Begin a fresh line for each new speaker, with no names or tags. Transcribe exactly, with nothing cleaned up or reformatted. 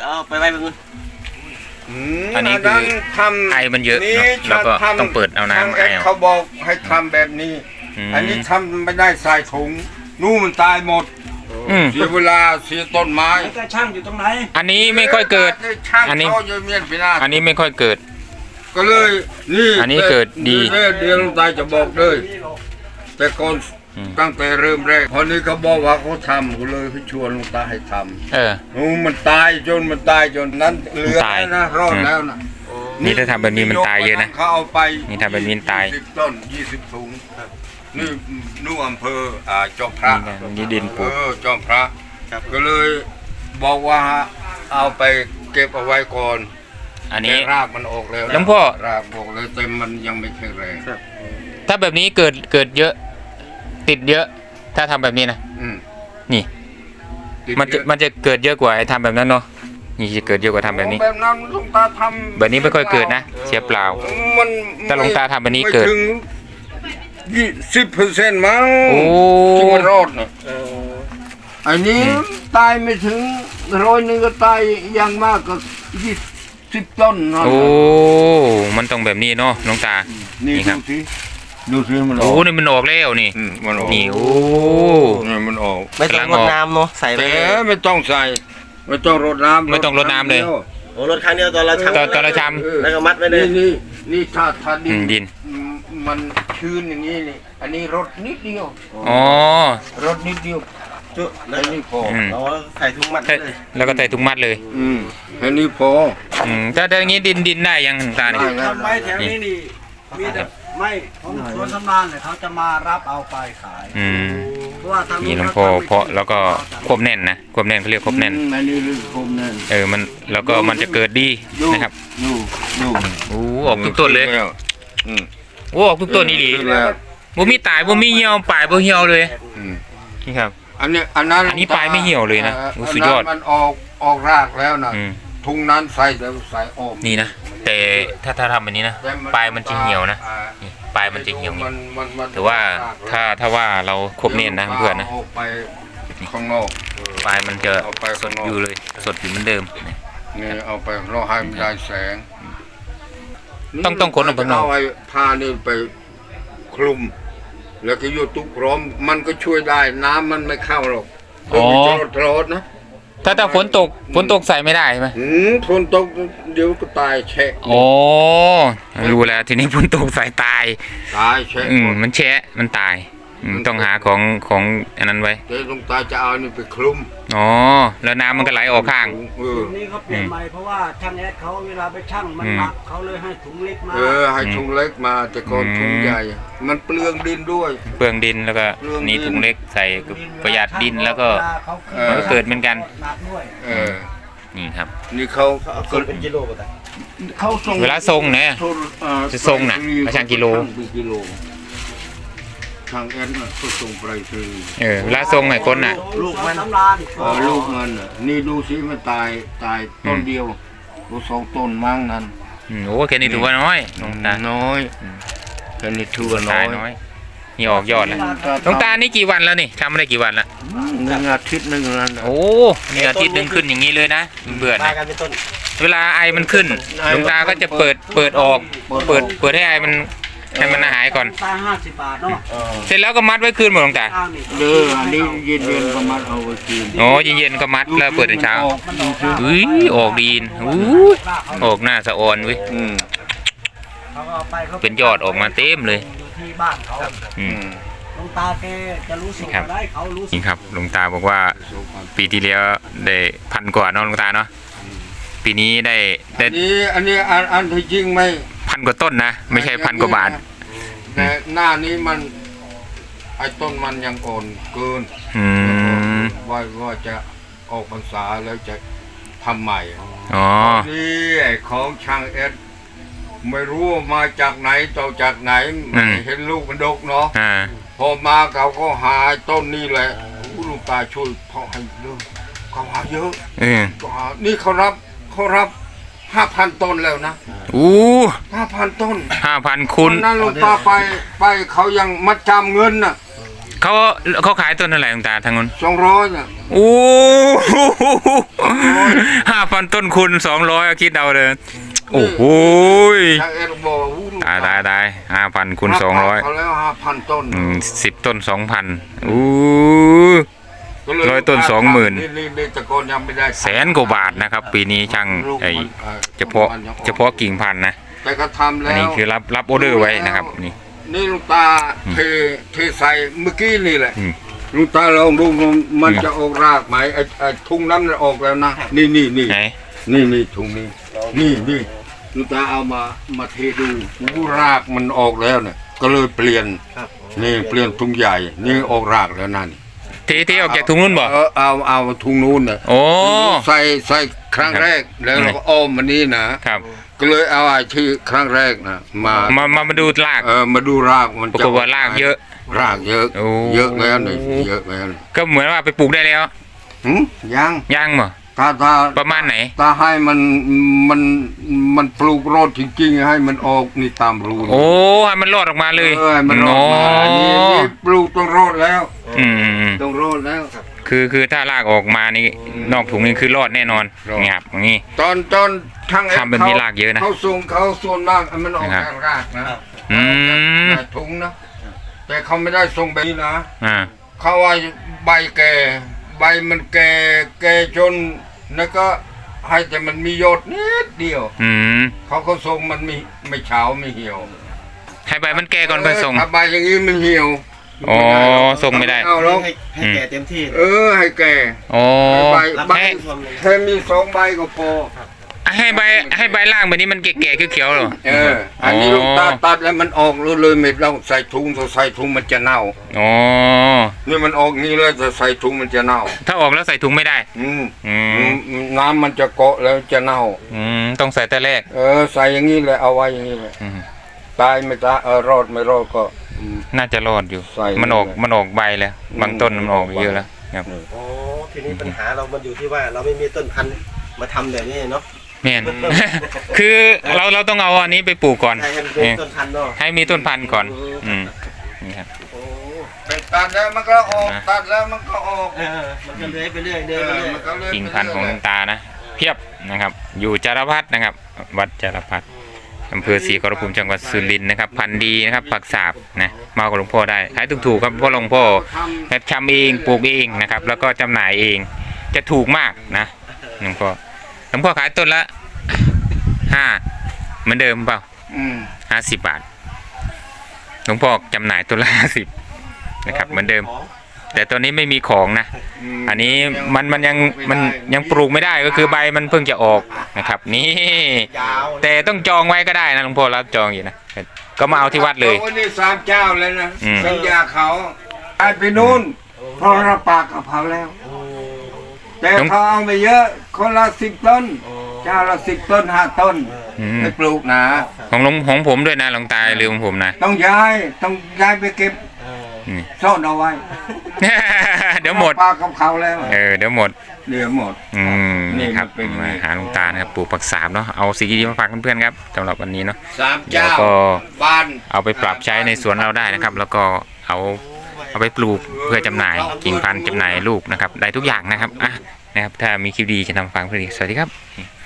เอาไปไว้เพื่อน
อันนี้คือไอมันเยอะเนาะแล้วก็ต้องเปิดเอาน้ำไอ
เขาบอกให้ทำแบบนี้อันนี้ทำไม่ได้ใส่ถุงนู่นมันตายหมดเสียเวลาเสียต้นไม้
ก็ช่างอยู่ตรงไหน
อันนี้ไม่ค่อยเกิดอันนี้อันนี้ไม่ค่อยเกิด
ก็เลยนี่
อันนี้เกิดดี
เดี๋ยวลุงตาจะบอกเลยแต่ก่อนตั้งแต่เริ่มแรกพอนี้เขาบอกว่าเขาทำก็เลยให้ชวนลุงตาให้ทำเออนู่นมันตายจนมันตายจนนั้นเหลือนะรอดแล้วนะ
นี่ถ้าทำแบบนี้มันตายเยอะนะ
เขาเอาไป
นี่ทำแบบนี้ตาย
สิบต้นยี่สิบถุงนี่นู่นอำเภออ่าจอมพระ
นี่ดินปลูก
จอมพระก็เลยบอกว่าเอาไปเก็บเอาไว้ก่อน
อันนี้
รากมันออกแล้ว
หลวงพ่อ
รากออกแล้วแต่มันยังไม่แข็งแรง
ถ้าแบบนี้เกิดเกิดเยอะติดเยอะถ้าทำแบบนี้นะนี่มันจะมันจะเกิดเยอะกว่าไอ้ทำแบบนั้นเนาะนี่จะเกิดเยอะกว่าทำแบบนี้
แบบนั้นลุงตาทำ
แบบนี้ไม่ค่อยเกิดนะเสียเปล่าแต่ลุงตาทำแบบนี้เกิด
ยี่สิบเปอร์เซ็นต์มั้ง
โอ้
ที่มันรอดนะอันนี้ตายไม่ถึงร้อยหนึ่งก็ตายยังมากก็ยี่สิบต้น
โอ้มันต้องแบบนี้เนาะลุงตา
นี่ครับดูสิมันออก
โอ้นี่มันออกแล้วนี่
มันออก
นี่โอ้
นี่มันออก
ไม่ต้องรดน้ำเนาะใส่
ไปไม่ต้องใส่ไม่ต้องรดน้ำ
ไม่ต้องรดน้ำเลย
โอ้รดครั้งเดียวตอนเราชำ
ตอนตอนเราช
ำแล้วก็มัดไว้เลย
นี่นี่ถ้าถ้าดิน
ดิน
มันชื้นอย่างนี้นี่อันนี้รดนิดเดียว
อ๋อ
รดนิดเดียวจุแล้วนี่พอ
เราใส่ถุงมัดเลย
แล้วก็ใส่ถุงมัดเลย
อืมแค่นี้พอ
อืมแต่แต่อย่างนี้ดินดินได้ยังตาเนี่ย
ทำไมแถวนี้นี่มีแต่ไม่ของสวนสำนานเนี่ยเขาจะมารับเอาไปขาย
อืมเพราะว่าทางนี้หลวงพ่อเพาะแล้วก็ควบแน่นนะควบแน่นเขาเรียกควบแน่น
อันนี้ควบแน่น
เออมันแล้วก็มันจะเกิดดีนะครับ
ดูดู
โอ้ออกทุกต้นเลย
อืม
โอ้ออกทุกต้นนี่ดีบ่มีตายบ่มีเหี่ยวปลายบ่เหี่ยวเลยนี่ครับ
อันนี้อันนั้น
อันนี้ปลายไม่เหี่ยวเลยนะสุดยอด
มันออกออกรากแล้วนะทุ่งนั้นใส่แล้วใส่ออก
นี่นะแต่ถ้าถ้าทำแบบนี้นะปลายมันจะเหี่ยวนะปลายมันจะเหี่ยวนี่แต่ว่าถ้าถ้าว่าเราควบเนียนนะเพื่อนนะ
ข้างนอก
ปลายมันจะสดอยู่เลยสดอยู่เหมือนเดิม
นี่เอาไปเราให้มันได้แสง
ต้องต้องคนออกไปนอก
เอาไอ้ผ้านี่ไปคลุมแล้วก็โยตุกพร้อมมันก็ช่วยได้น้ำมันไม่เข้าหรอก
อ๋อ
รอดนะ
ถ้าถ้าฝนตกฝนตกใส่ไม่ได้ใช่ไหม
อืมฝนตกเดี๋ยวก็ตายแฉะ
โอ้รู้แล้วทีนี้ฝนตกใส่ตาย
ตายแฉะ
อืมมันแฉะมันตายต้องหาของของอันนั้นไว้
เดี๋ยวลุงตาจะเอานี่ไปคลุม
อ๋อแล้วน้ำมันก็ไหลออกข้าง
นี่เขาเปลี่ยนใหม่เพราะว่าช่างแอดเขาเวลาไปช่างมันหนักเขาเลยให้ถุงเล็กมา
เออให้ถุงเล็กมาแต่ก่อนถุงใหญ่มันเปลืองดินด้วย
เปลืองดินแล้วก็นี่ถุงเล็กใส่ประหยัดดินแล้วก็มันเกิดเหมือนกัน
เออ
นี่ครับ
นี่เขา
เป็นกิโลป่ะ
เขาส่ง
เวลาทรงเนี่ยจะทรงน่ะมาช่างกิโล
ทางแอนน่ะก็ส่งไปคือ
เออเวลาทรงไอ้คนน่ะ
ลูกมัน
เออลูกมันน่ะนี่ดูสิมันตายตายต้นเดียวดูสองต้นมั่งนั้น
โอ้แค่นี้ถือว่าน้อย
น้อยแค่นี้ถือว่าน้อย
นี่ออกยอดแล้วหลวงตานี่กี่วันแล้วนี่ทำได้กี่วันละ
หนึ่งอาทิตย์หนึ่งแล้ว
โอ้นี่อาทิตย์หนึ่งขึ้นอย่างนี้เลยนะเบื่อนะเวลาไอมันขึ้นหลวงตาก็จะเปิดเปิดออกเปิดเปิดให้ไอมันให้มันหายก่อน
ตาห้าสิบบาทเนาะ
เสร็จแล้วก็มัดไว้คืนหมดหลวงตา
เอออันนี้เย็นเย็นก็มัดเอาไว้คืน
อ๋อเย็นเย็นก็มัดแล้วเปิดในเช้าอุ้ยออกดีนอุ้ยออกหน้าสะออนวิเป็นยอดออกมาเต็มเลย
ที่บ้านเขาหลวงตาแกจะรู้สึกได้เขารู้สึก
นี่ครับหลวงตาบอกว่าปีที่แล้วได้พันกว่าเนาะหลวงตาเนาะปีนี้ได้ได้
อันนี้อันนี้อันอันที่จริงไหม
พันกว่าต้นนะไม่ใช่พันกว่าบาท
แต่หน้านี้มันไอ้ต้นมันยังอ่อนเกินว่าว่าจะออกพรรษาแล้วจะทำใหม่
อ๋อ
นี่ไอ้ของช่างเอ็ดไม่รู้มาจากไหนต่อจากไหนเห็นลูกมันดกเนาะพอมาเขาก็หาต้นนี้แหละลูกตาช่วยเพาะให้เยอะเขาหาเยอะนี่เขารับเขารับห้าพันต้นแล้วนะ
อู้
ห้าพันต้น
ห้าพันคุณ
นั่นลูกตาไปไปเขายังมัดจำเงินน่ะ
เขาเขาขายต้นเท่าไหร่หลวงตาทางนู้น
สองร้อยน่ะ
โอ้ห้าพันต้นคุณสองร้อยคิดเอาเลยโอ้โห
ช่างเอ็ดบอกอู้
ตายตายตายห้าพันคูณสองร้อย
เขาแล้วห้าพันต้น
สิบต้นสองพันอู้
ก็เลย
ร้อยต้นสองหมื่น
นี่นี่นี่ตะโกนยังไม่ได้
แสนกว่าบาทนะครับ ปีนี้ช่าง
ลูก
ไอ
มันอ่อ
เฉพาะ
มันยังออก
เฉพาะกิ่งพันธุ์นะ
แต่ก็ทำแล้
อัน
ว
นี้คือรับรับออเดอร์ไว้นะครับนี่
นี่ลุงตาเทเทใส่เมื่อกี้นี่แหละ
อืม
ลุงตาลองดูมันมัน
อืม
จะออกรากไหมไอ้ไอ้ทุ่งน้ำมันออกแล้วนะนี่นี่นี่
ไหน
นี่นี่ถุงนี้นี่นี่ลุงตาเอามามาเทดูอู้รากมันออกแล้วเนี่ยก็เลยเปลี่ยน
ครับ
นี่เปลี่ยนถุงใหญ่นี่ออกรากแล้วนั่น
ทีที่ออกจากถุงนู้นบ่
เออเอาเอาถุงนู้นน่ะ
โอ้
ใส่ใส่ครั้งแรกแล้วเราก็อ้อมมันนี่นะครับ ก็เลยเอาไอ้ที่ครั้งแรกนะมา
มามามาดูราก
เออมาดูรากมัน
ปรากฏว่ารากเยอะ
รากเยอะ
โอ้
เยอะแล้วนี่เยอะแล้วนี่
ก็เหมือนว่าไปปลูกได้แล้ว
หืมยัง
ย่างบ่
ถ้าถ้า
ประมาณไหน
ถ้าให้มันมันมันปลูกรอดจริงๆให้มันออกนี่ตามรูนี่
โอ้ให้มันรอดออกมาเลย
เออให้มันรอดมาอันนี้นี่ปลูกต้องรอดแล้ว
อืม
ต้องรอดแล้ว
คือคือถ้ารากออกมานี่นอกถุงนี่คือรอดแน่นอน
รอด
นี่ครับอย่างนี้
ตอนตอนทาง
ทำแบบนี้รากเยอะนะ
เขาส่งเขาส่วนมากมันออก
นะครับ
จากรากนะ
อืม
แต่ถุงนะแต่เขาไม่ได้ส่งแบบนี้นะ
อ่า
เขาว่าใบแก่ใบมันแก่แก่จนแล้วก็ให้แต่มันมียอดนิดเดียว
อืม
เขาก็ส่งมันไม่ไม่เฉาไม่เหี่ยว
ให้ใบมันแก่ก่อนค่อยส่ง
เถ้าใบอย่างนี้มันเหี่ยว
อ๋อส่งไม่ได้
เอาแล้ว
ให้ให้แก่เต็มที่
เออให้แก่
โอ้
ใบใบ
ให้
แค่มีสองใบก็พอ
ให้ใบให้ใบล่างแบบนี้มันแก่ๆเขียวๆเหรอ
เอออันนี้
อ๋อ
ลูกตาตัดแล้วมันออกเลยไม่ต้องใส่ถุงถ้าใส่ถุงมันจะเน่า
อ๋อ
นี่มันออกงี้เลยแต่ใส่ถุงมันจะเน่า
ถ้าออกแล้วใส่ถุงไม่ได้
อืม
อืม
อืมน้ำมันจะเกาะแล้วจะเน่า
อืมต้องใส่แต่แรก
เออใส่อย่างนี้เลยเอาไว้อย่างนี้เลย
อืม
ตายไม่ตายเออรอดไม่รอดก็อืม
น่าจะรอดอยู่
ใส่
มันออก
เลย
มันออกใบแล้วบางต้นมันออกเยอะแล้วครับ
โอ้ทีนี้ปัญหาเรามันอยู่ที่ว่าเราไม่มีต้นพันธุ์มาทำแบบนี้เนาะ
แม่น คือเราเราต้องเอาอันนี้ไปปลูกก่อน
ให้มันเป็นต้นพันธุ์เนาะ
ให้มีต้นพันธุ์ก่อน อืมนี่ครับ
โอ้
ไปตัดแล้วมันก็ออก
นะ
ตัดแล้วมันก็ออก
เออมันก็เลื้อยไปเรื่อยเลื้อยไปเรื่อย
มันก็เลื่อย
กิ่งพันธุ์ของหลวงตานะ เพียบนะครับ อยู่จารพัฒนะครับ วัดจารพัฒอำเภอศรีขอรภูมิจังหวัดสุรินทร์นะครับ พันธุ์ดีนะครับผักสาบนะมากับหลวงพ่อได้ขายถูกๆครับเพราะหลวงพ่อแบบชำเองปลูกเองนะครับ แล้วก็จำหน่ายเองจะถูกมากนะหลวงพ่อหลวงพ่อขายต้นละห้าเหมือนเดิมเปล่า
อืม
ห้าสิบบาทหลวงพ่อจำหน่ายต้นละห้าสิบนะครับเหมือนเดิม แต่ตัวนี้ไม่มีของนะ
ม
อันนี้มันมันยังมันยังปลูกไม่ได้ก็คือใบมันเพิ่งจะออกนะครับ นี่
ยาว
แต่ต้องจองไว้ก็ได้นะหลวงพ่อรับจองอยู่นะก็มาเอาที่วัดเลย
อาวันนี้สามเจ้าเลยนะ
อืม
สัญญาเขาไปไปนู่นเพราะเราปากกับเขาแล้ว
โอ้
แต่เขาเอาไปเยอะคนละสิบต้น เจ้าละสิบต้นห้าต้น
อืม
ไปปลูกนะ
ของหลวงของผมด้วยนะหลวงตาหรือของผมนะ
ต้องย้ายต้องย้ายไปเก็บ
เออ
นี่
ซ่อนเอาไว้
เดี๋ยวหมด
ปากกับเขาแล้ว
เออเดี๋ยวหมด
เดี๋ยวหมด
อืม
นี่
นี่ครับ
มันเป็นอย่างนี้
มาหาหลวงตานะครับปลูกผักสาบเนาะเอาสิ่งดีๆมาฝากเพื่อนๆครับสำหรับวันนี้เนาะ
สาม
เดี๋ยว
เจ้า
ก็
บ้าน
เอาไปปรับใช้ในสวนเราได้นะครับ แล้วก็เอาเอาไปปลูกเพื่อจำหน่ายกิ่งพันธุ์จำหน่ายลูกนะครับได้ทุกอย่างนะครับอ่ะนะครับถ้ามีคลิปดีจะนำมาฝากเพื่อนอีกสวัสดีครับ